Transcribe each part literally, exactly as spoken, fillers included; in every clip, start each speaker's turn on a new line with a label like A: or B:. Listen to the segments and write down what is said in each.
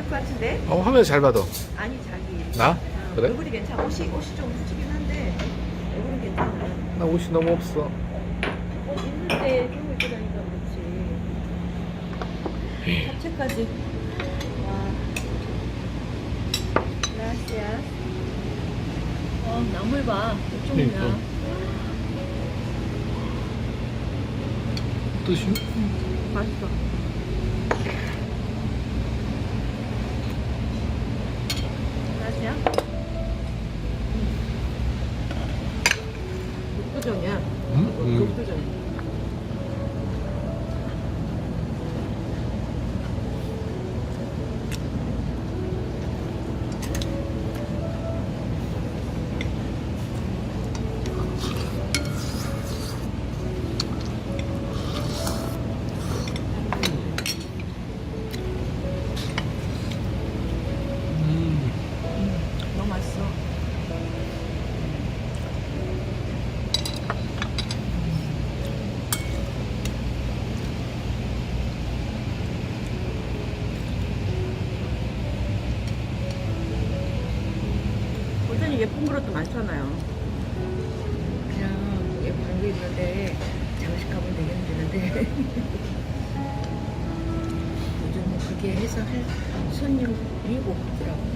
A: 것 같은데?
B: 어, 화면 잘 봐도.
A: 아니 자기.
B: 나?
A: 어,
B: 그래?
A: 얼굴이 괜찮아. 옷이 옷이 좀 훔치긴 한데 얼굴은 괜찮아.
B: 나 옷이 너무 없어.
A: 옷 입는데 좀 입고 다니까 그렇지. 잡채까지. 와. 라시아. 어 나물 봐. 이쪽이야.
B: 그러니까. 뜻이?
A: 맛있어. 라시아. 육부정이야.
B: 음? 음.
A: 육부정.
B: 음.
A: 너무 맛있어. 여전히 예쁜 그릇도 많잖아요.
C: 그냥 예쁜 거 있는데 장식하면 되게 힘드는데 요즘은 그게 해서 할 손님이 없더라고.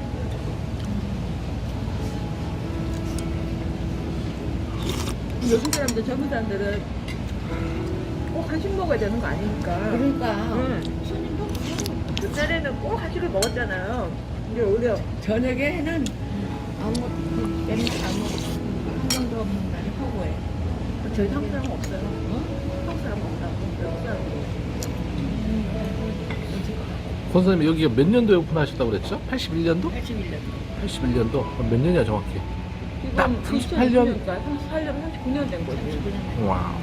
A: 요즘 사람들, 젊은 사람들은 꼭 한식 먹어야 되는 거 아니니까.
C: 그러니까
A: 응.
C: 손님도 없고
A: 옛날에는 꼭 한식을 먹었잖아요. 근데 오히려
C: 저녁에는 아무것도 맨날 아무것도 한 번도 없는 날이 허구해.
A: 저희 한국 사람은 없어요. 한국 사람은 없다고. 외국 사람은.
B: 권사님 여기가 몇 년도에 오픈하셨다고 그랬죠? 팔십일 년도?
C: 팔십일 년.
B: 팔십일 년도? 그럼 몇 년이야 정확히? 딱
A: 지금
B: 삼십팔 년?
A: 삼십팔 년, 삼십구 년 된 거지.
B: 와.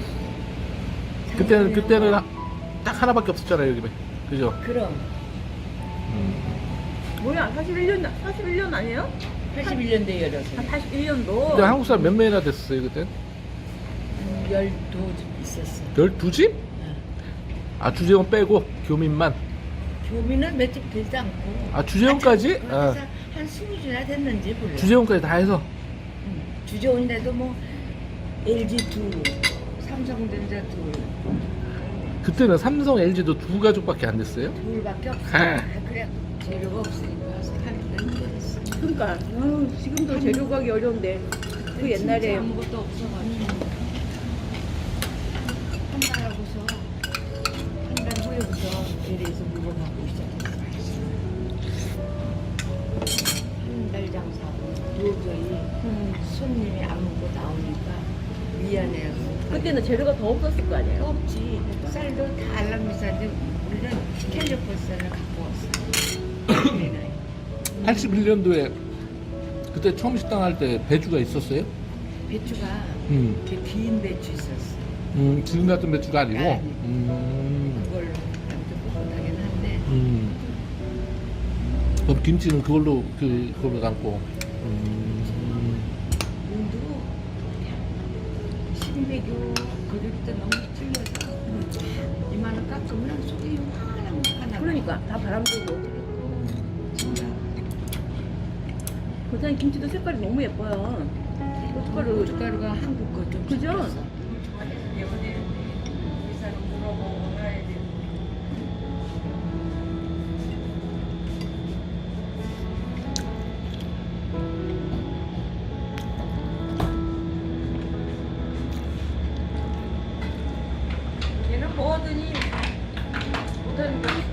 B: 그때는 그때는 하- 딱 하나밖에 없었잖아요 여기. 그죠?
C: 그럼
B: 음.
A: 뭐야, 사십일 년, 사십일 년 아니에요?
C: 팔십일 년도에 열어서
A: 한 팔십일 년도.
B: 근데 한국 사람 몇 명이나 됐었어요 그때?
C: 한 열두 있었어.
B: 열두 집? 아 주재원 빼고 교민만.
C: 교민은 몇 집 되지 않고.
B: 아 주재원까지?
C: 그래서
B: 아,
C: 한 스무 주나 됐는지 몰라.
B: 주재원까지 다 해서.
C: 응. 주재원인데도 뭐 엘지 둘, 삼성전자 둘,
B: 그때는 삼성, 엘지도 두 가족밖에 안 됐어요?
C: 둘밖에 없어.
B: 아.
C: 아, 그래 재료가 없으니까 하기가 힘들었어.
A: 그러니까 아유, 지금도 재료 구하기 어려운데 그 옛날에
C: 진짜 아무것도 없어가지고 한 달 하고서 한 달 후에부터 대리에서 물건 갖고 시작했어. 한 달 장사하고 도저히
A: 음,
C: 손님이 안 먹고 나오니까 미안해요.
A: 그때는 재료가 더 없었을 거 아니에요.
C: 없지. 쌀도 다 알람비싼데 우리는 캘리포니아를 갖고 왔어. 우리는.
B: 팔십일 년도에 그때 처음 식당 할 때 배주가 있었어요?
C: 배추가
B: 음.
C: 이렇게 긴 배추 있었어.
B: 음, 지금 같은 배추가 아니고.
C: 아니.
B: 음.
C: 그걸로 아무튼 뻣뻣하긴 한데
B: 음. 그럼 김치는 그걸로 그 그걸로 담고. 음.
C: 눈도 신백유 그릴 때 너무 찔려서 이만한 깎으면 속이 요만한 거 하나.
A: 그러니까 다 바람 불고.
C: 진짜
A: 고사님 김치도 색깔이 너무 예뻐요. 고춧가루.
C: 고춧가루가 한국 거좀
A: 그죠? 얘는 먹었더니 못하는 거